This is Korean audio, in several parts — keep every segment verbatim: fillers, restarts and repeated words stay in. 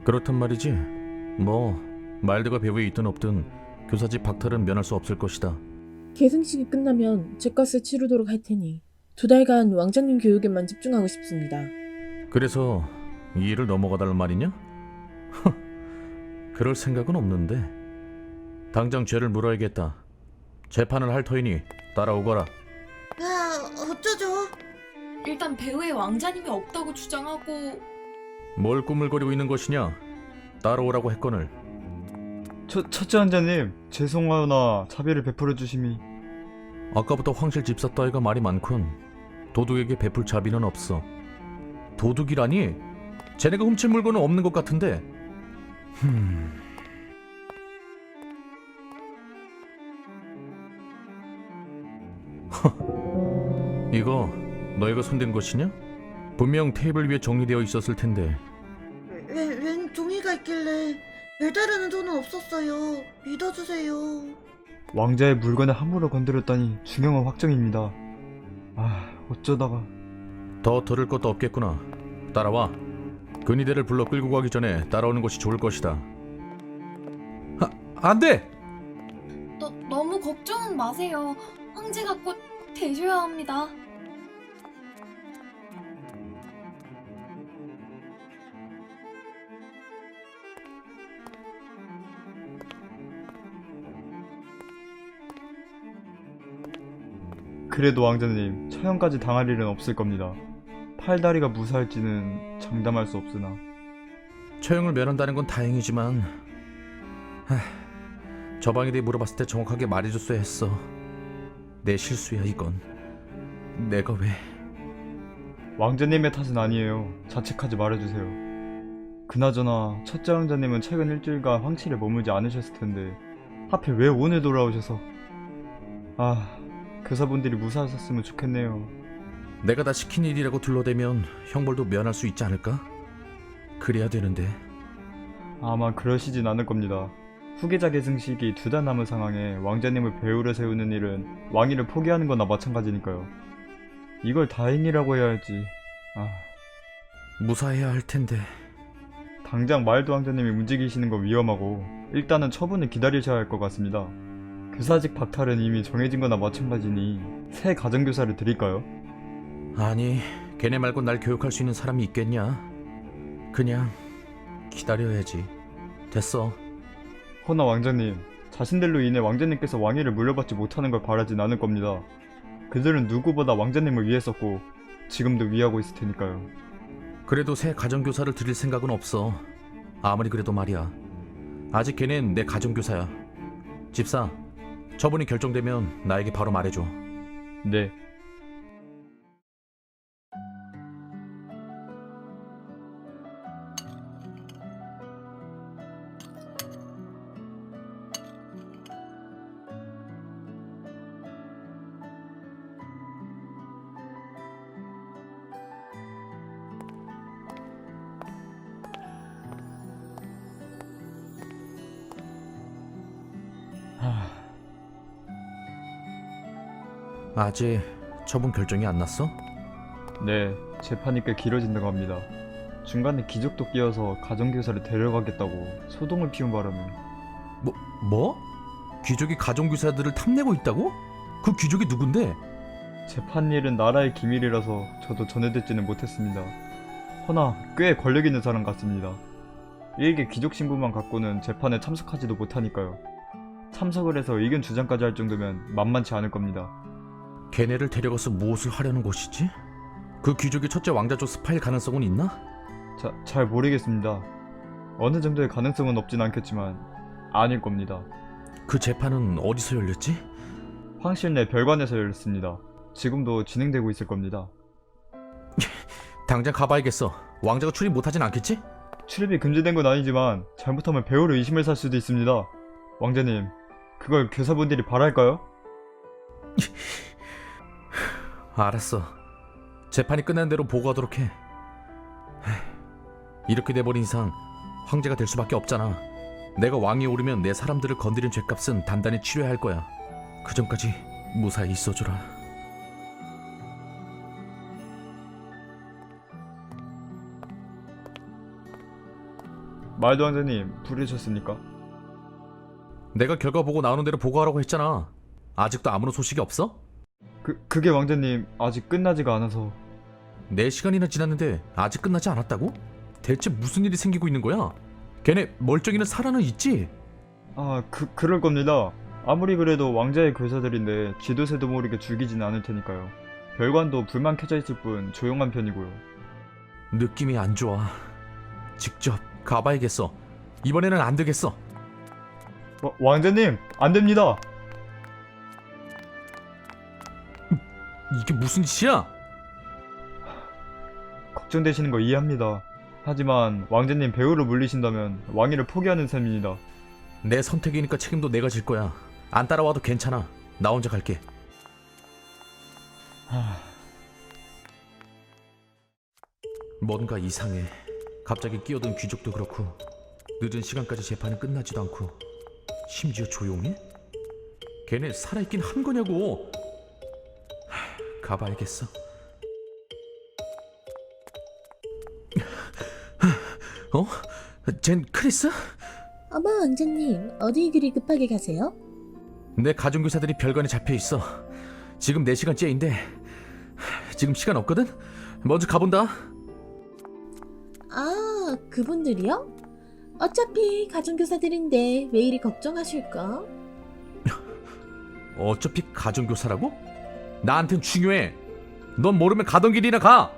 그렇단 말이지. 뭐 마일드가 배후에 있든 없든 교사직 박탈은 면할 수 없을 것이다. 계승식이 끝나면 죗값을 치르도록 할 테니 두 달간 왕자님 교육에만 집중하고 싶습니다. 그래서 이 일을 넘어가달란 말이냐? 그럴 생각은 없는데. 당장 죄를 물어야겠다. 재판을 할 터이니 따라오거라. 아, 어쩌죠? 일단 배후에 왕자님이 없다고 주장하고. 뭘 꾸물거리고 있는 것이냐? 따라오라고 했거늘. 첫, 첫째 왕자님, 죄송하오나 자비를 베풀어 주심이. 아까부터 황실 집사 따위가 말이 많군. 도둑에게 베풀 자비는 없어. 도둑이라니? 쟤네가 훔칠 물건은 없는 것 같은데. 흠... 허, 이거 너희가 손댄 것이냐? 분명 테이블 위에 정리되어 있었을 텐데. 웬, 웬 종이가 있길래 배달하는 돈은 없었어요. 믿어주세요. 왕자의 물건을 함부로 건드렸다니 중형은 확정입니다. 아, 어쩌다가. 더 들을 것도 없겠구나. 따라와. 근위대를 불러 끌고 가기 전에 따라오는 것이 좋을 것이다. 아, 안 돼! 너, 너무 걱정은 마세요. 황제가 곧 되셔야 합니다. 그래도 왕자님, 처형까지 당할 일은 없을 겁니다. 팔다리가 무사할지는 장담할 수 없으나. 처형을 면한다는 건 다행이지만, 하, 저방에 대해 물어봤을 때 정확하게 말해줬어야 했어. 내 실수야 이건. 내가 왜... 왕자님의 탓은 아니에요. 자책하지 말아주세요. 그나저나 첫째 왕자님은 최근 일주일간 황실에 머물지 않으셨을 텐데 하필 왜 오늘 돌아오셔서. 아, 교사분들이 무사하셨으면 좋겠네요. 내가 다 시킨 일이라고 둘러대면 형벌도 면할 수 있지 않을까? 그래야 되는데. 아마 그러시진 않을 겁니다. 후계자 계승식이 두 달 남은 상황에 왕자님을 배우로 세우는 일은 왕위를 포기하는 거나 마찬가지니까요. 이걸 다행이라고 해야 할지. 아, 무사해야 할 텐데. 당장 마일드 왕자님이 움직이시는 건 위험하고 일단은 처분을 기다리셔야 할 것 같습니다. 교사직 박탈은 이미 정해진 거나 마찬가지니 새 가정교사를 드릴까요? 아니, 걔네 말고 날 교육할 수 있는 사람이 있겠냐? 그냥 기다려야지. 됐어. 허나 왕자님, 자신들로 인해 왕자님께서 왕위를 물려받지 못하는 걸 바라진 않을 겁니다. 그들은 누구보다 왕자님을 위했었고 지금도 위하고 있을 테니까요. 그래도 새 가정교사를 드릴 생각은 없어. 아무리 그래도 말이야. 아직 걔넨 내 가정교사야. 집사, 처분이 결정되면 나에게 바로 말해줘. 네. 하... 아직 처분 결정이 안 났어? 네, 재판이 꽤 길어진다고 합니다. 중간에 기적도 끼어서 가정교사를 데려가겠다고 소동을 피운 바람에. 뭐? 뭐? 귀족이 가정교사들을 탐내고 있다고? 그 귀족이 누군데? 재판일은 나라의 기밀이라서 저도 전해듣지는 못했습니다. 허나 꽤 권력 있는 사람 같습니다. 일개 귀족 신분만 갖고는 재판에 참석하지도 못하니까요. 참석을 해서 의견 주장까지 할 정도면 만만치 않을 겁니다. 걔네를 데려가서 무엇을 하려는 것이지? 그 귀족이 첫째 왕자조 스파일 가능성은 있나? 자, 잘 모르겠습니다. 어느 정도의 가능성은 없진 않겠지만 아닐 겁니다. 그 재판은 어디서 열렸지? 황실 내 별관에서 열렸습니다. 지금도 진행되고 있을 겁니다. 당장 가봐야겠어. 왕자가 출입 못하진 않겠지? 출입이 금지된 건 아니지만 잘못하면 배우로 의심을 살 수도 있습니다. 왕자님, 그걸 교사분들이 바랄까요? 알았어. 재판이 끝난 대로 보고하도록 해. 이렇게 돼버린 이상 황제가 될 수밖에 없잖아. 내가 왕위에 오르면 내 사람들을 건드린 죄값은 단단히 치러야 할 거야. 그 전까지 무사히 있어주라. 말도 왕자님 부르셨습니까? 내가 결과 보고 나오는 대로 보고하라고 했잖아. 아직도 아무런 소식이 없어? 그, 그게 왕자님 아직 끝나지가 않아서. 네 시간이나 지났는데 아직 끝나지 않았다고? 대체 무슨 일이 생기고 있는 거야? 걔네 멀쩡이는 살아는 있지? 아, 그, 그럴 겁니다. 아무리 그래도 왕자의 교사들인데 쥐도 새도 모르게 죽이진 않을 테니까요. 별관도 불만 켜져 있을 뿐 조용한 편이고요. 느낌이 안 좋아. 직접 가봐야겠어. 이번에는 안 되겠어. 와, 왕자님 안 됩니다. 이게 무슨 짓이야? 걱정되시는 거 이해합니다. 하지만 왕자님 배우로 물리신다면 왕위를 포기하는 셈입니다. 내 선택이니까 책임도 내가 질 거야. 안 따라와도 괜찮아. 나 혼자 갈게. 하... 뭔가 이상해. 갑자기 끼어든 귀족도 그렇고 늦은 시간까지 재판은 끝나지도 않고 심지어 조용해? 걔네 살아있긴 한 거냐고. 하, 가봐야겠어. 어? 쟨 크리스? 어머 왕자님, 어디 그리 급하게 가세요? 내 가정교사들이 별관에 잡혀있어. 지금 네 시간째인데 지금 시간 없거든? 먼저 가본다. 아, 그분들이요? 어차피 가정교사들인데 왜 이리 걱정하실까? 어차피 가정교사라고? 나한텐 중요해. 넌 모르면 가던 길이나 가.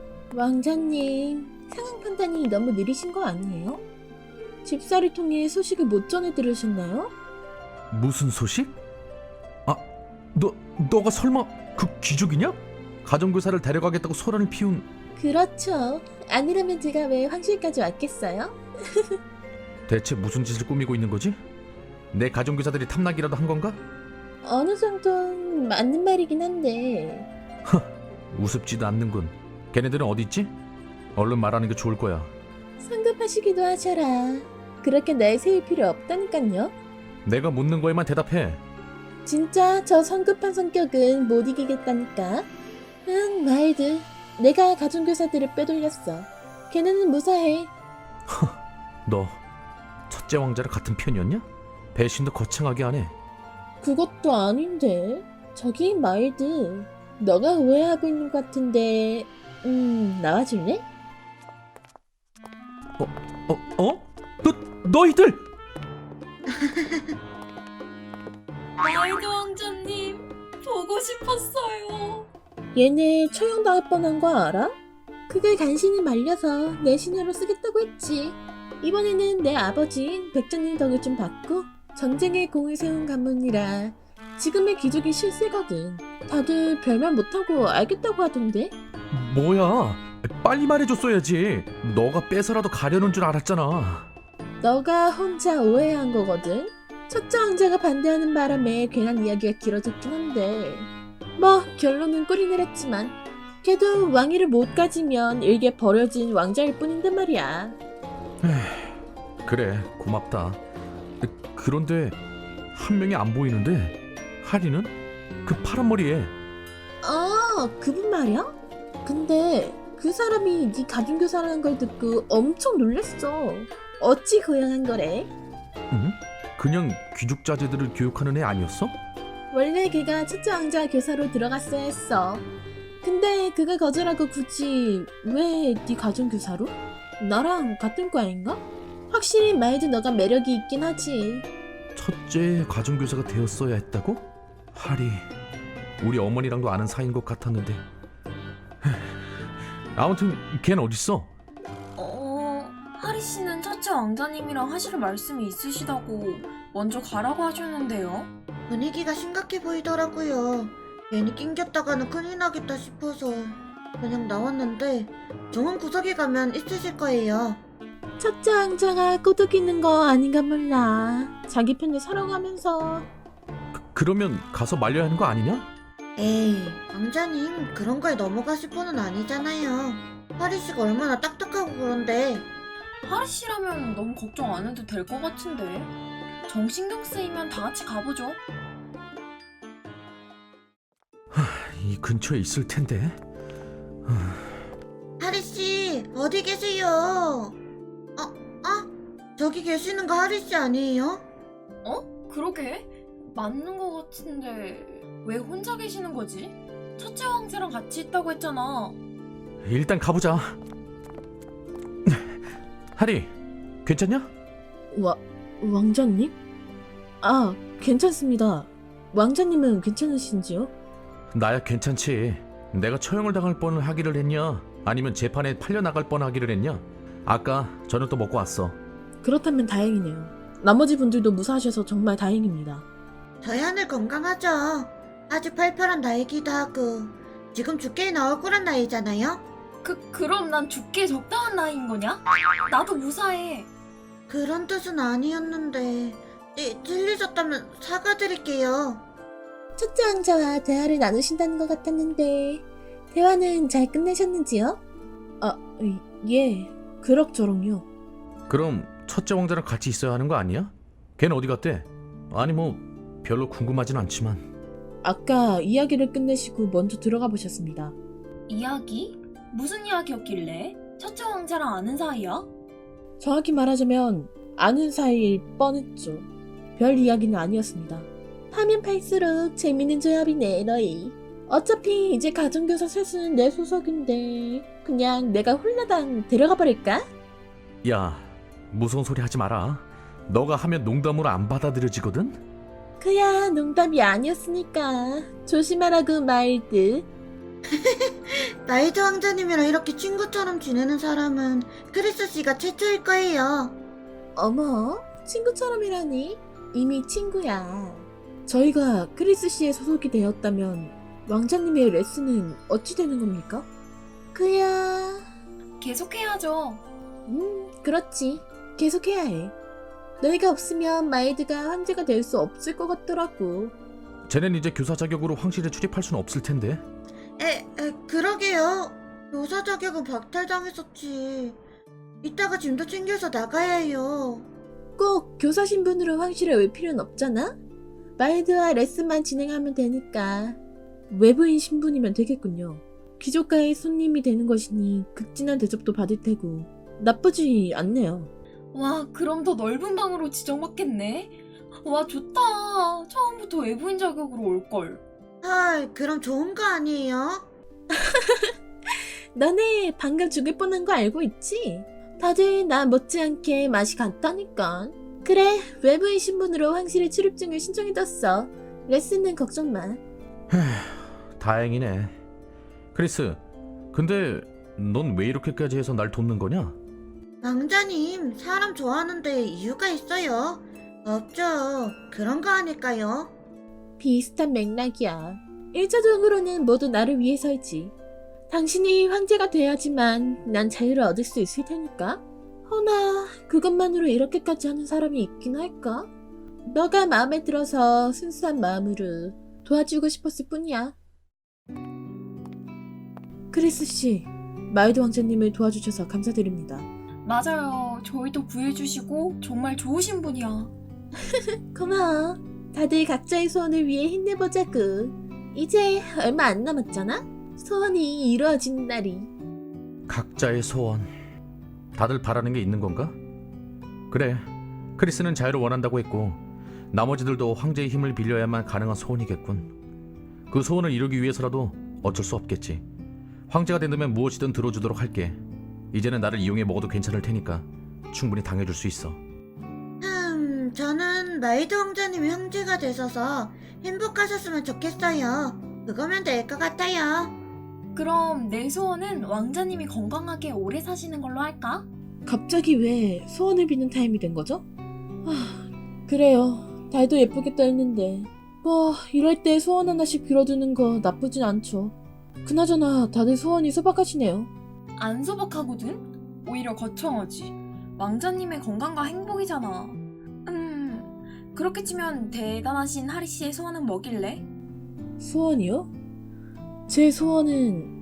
왕자님, 상황 판단이 너무 느리신 거 아니에요? 집사를 통해 소식을 못 전해 들으셨나요? 무슨 소식? 아, 너, 너가 설마 그 귀족이냐? 가정교사를 데려가겠다고 소란을 피운... 그렇죠. 아니라면 제가 왜 황실까지 왔겠어요? 대체 무슨 짓을 꾸미고 있는 거지? 내 가정교사들이 탐락이라도 한 건가? 어느 정도는 맞는 말이긴 한데 우습지도 않는군. 걔네들은 어디 있지? 얼른 말하는 게 좋을 거야. 성급하시기도 하셔라. 그렇게 날 세울 필요 없다니깐요. 내가 묻는 거에만 대답해. 진짜 저 성급한 성격은 못 이기겠다니까. 응, 말드. 내가 가정교사들을 빼돌렸어. 걔네는 무사해. 너 첫째 왕자랑 같은 편이었냐? 배신도 거창하게 하네. 그것도 아닌데. 저기 말드. 너가 오해하고 있는 것 같은데. 음, 나와줄래? 어? 어? 너, 너희들! 마일드 왕자님, 보고 싶었어요. 얘네 처형당할 뻔한 거 알아? 그걸 간신히 말려서 내 신으로 쓰겠다고 했지. 이번에는 내 아버지인 백장님 덕을 좀 받고 전쟁에 공을 세운 가문이라 지금의 귀족이 실세거든. 다들 별말 못하고 알겠다고 하던데? 뭐야? 빨리 말해줬어야지. 너가 뺏어라도 가려는 줄 알았잖아. 너가 혼자 오해한 거거든? 첫째 왕자가 반대하는 바람에 괜한 이야기가 길어졌긴 한데 뭐 결론은 꿀이 내렸지만 걔도 왕위를 못 가지면 일개 버려진 왕자일 뿐인데 말이야. 그래, 고맙다. 그런데 한 명이 안 보이는데 하리는? 그 파란 머리에. 아, 그분 말이야? 근데 그 사람이 네 가중교사라는 걸 듣고 엄청 놀랬어. 어찌 고양한 거래? 응? 그냥 귀족 자제들을 교육하는 애 아니었어? 원래 걔가 첫째 왕자 교사로 들어갔어야 했어. 근데 그가 거절하고 굳이 왜 네 가정교사로? 나랑 같은 과인가? 확실히 말도 너가 매력이 있긴 하지. 첫째 가정교사가 되었어야 했다고? 하리, 우리 어머니랑도 아는 사이인 것 같았는데. 아무튼 걘 어딨어? 어, 하리 씨는 첫째 왕자님이랑 하실 말씀이 있으시다고 먼저 가라고 하셨는데요. 분위기가 심각해 보이더라고요. 괜히 낑겼다가는 큰일 나겠다 싶어서 그냥 나왔는데 좋은 구석에 가면 있으실 거예요. 첫째 왕자가 꼬독 있는 거 아닌가 몰라. 자기 편을 살아가면서. 그, 그러면 가서 말려야 하는 거 아니냐? 에이, 왕자님 그런 거에 넘어가실 분은 아니잖아요. 하리 씨가 얼마나 딱딱하고 그런데. 하리 씨라면 너무 걱정 안 해도 될 것 같은데. 정 신경 쓰이면 다 같이 가보죠. 이 근처에 있을 텐데. 하리 씨 어디 계세요? 어, 어? 구석에 계시는 거 하리 씨 아니에요? 어? 그러게? 맞는 거 같은데 왜 혼자 계시는 거지? 첫째 왕자랑 같이 있다고 했잖아. 일단 가보자. 하리, 괜찮냐? 와, 왕자님? 아, 괜찮습니다. 왕자님은 괜찮으신지요? 나야 괜찮지. 내가 처형을 당할 뻔을 하기를 했냐? 아니면 재판에 팔려나갈 뻔 하기를 했냐? 아까 저녁도 먹고 왔어. 그렇다면 다행이네요. 나머지 분들도 무사하셔서 정말 다행입니다. 저희 하늘 건강하죠. 아직 팔팔한 나이기도 하고 지금 죽게 나올 거란 나이잖아요. 그, 그럼 난 죽기에 적당한 나이인 거냐? 나도 무사해. 그런 뜻은 아니었는데 찌, 찔리셨다면 사과드릴게요. 첫째 왕자와 대화를 나누신다는 것 같았는데 대화는 잘 끝내셨는지요? 아, 예, 그럭저럭요. 그럼 첫째 왕자랑 같이 있어야 하는 거 아니야? 걔는 어디 갔대? 아니 뭐 별로 궁금하진 않지만. 아까 이야기를 끝내시고 먼저 들어가 보셨습니다. 이야기? 무슨 이야기였길래? 첫째 왕자랑 아는 사이야? 정확히 말하자면 아는 사이일 뻔했죠. 별 이야기는 아니었습니다. 파면 팔수록 재밌는 조합이네 너희. 어차피 이제 가정교사 셋은 내 소속인데 그냥 내가 홀라당 데려가 버릴까? 야, 무서운 소리 하지 마라. 너가 하면 농담으로 안 받아들여지거든? 그야 농담이 아니었으니까 조심하라고 말드. 나이드 왕자님이랑 이렇게 친구처럼 지내는 사람은 크리스 씨가 최초일 거예요. 어머, 친구처럼이라니? 이미 친구야. 저희가 크리스 씨의 소속이 되었다면 왕자님의 레슨은 어찌 되는 겁니까? 그야... 계속해야죠. 음, 그렇지. 계속해야 해. 너희가 없으면 마이드가 황제가 될 수 없을 것 같더라고. 쟤넨 이제 교사 자격으로 황실에 출입할 수는 없을 텐데. 에, 에 그러게요. 교사 자격은 박탈당했었지. 이따가 짐도 챙겨서 나가야 해요. 꼭 교사 신분으로 황실에 올 필요는 없잖아? 마이드와 레슨만 진행하면 되니까 외부인 신분이면 되겠군요. 귀족가의 손님이 되는 것이니 극진한 대접도 받을 테고 나쁘지 않네요. 와, 그럼 더 넓은 방으로 지정받겠네. 와, 좋다. 처음부터 외부인 자격으로 올걸. 헐, 그럼 좋은 거 아니에요? 너네 방금 죽을 뻔한 거 알고 있지? 다들 나 못지않게 맛이 갔다니까. 그래, 외부인 신분으로 황실의 출입증을 신청해뒀어. 레슨은 걱정 마. 다행이네. 크리스, 근데 넌 왜 이렇게까지 해서 날 돕는 거냐? 왕자님, 사람 좋아하는데 이유가 있어요. 없죠. 그런 거 아닐까요? 비슷한 맥락이야. 일차적으로는 모두 나를 위해서이지. 당신이 황제가 돼야지만 난 자유를 얻을 수 있을 테니까. 허나 그것만으로 이렇게까지 하는 사람이 있긴 할까? 너가 마음에 들어서 순수한 마음으로 도와주고 싶었을 뿐이야. 크리스 씨, 마이드 왕자님을 도와주셔서 감사드립니다. 맞아요. 저희도 구해주시고 정말 좋으신 분이야. 고마워. 다들 각자의 소원을 위해 힘내보자구. 이제 얼마 안 남았잖아? 소원이 이루어지는 날이. 각자의 소원. 다들 바라는 게 있는 건가? 그래, 크리스는 자유를 원한다고 했고 나머지들도 황제의 힘을 빌려야만 가능한 소원이겠군. 그 소원을 이루기 위해서라도 어쩔 수 없겠지. 황제가 된다면 무엇이든 들어주도록 할게. 이제는 나를 이용해 먹어도 괜찮을 테니까 충분히 당해줄 수 있어. 음, 저는 마이드 왕자님이 형제가 되셔서 행복하셨으면 좋겠어요. 그거면 될 것 같아요. 그럼 내 소원은 왕자님이 건강하게 오래 사시는 걸로 할까? 갑자기 왜 소원을 비는 타임이 된 거죠? 아, 그래요. 달도 예쁘겠다 했는데 뭐 이럴 때 소원 하나씩 빌어두는 거 나쁘진 않죠. 그나저나 다들 소원이 소박하시네요. 안 소박하거든? 오히려 거창하지. 왕자님의 건강과 행복이잖아. 음, 그렇게 치면 대단하신 하리씨의 소원은 뭐길래? 소원이요? 제 소원은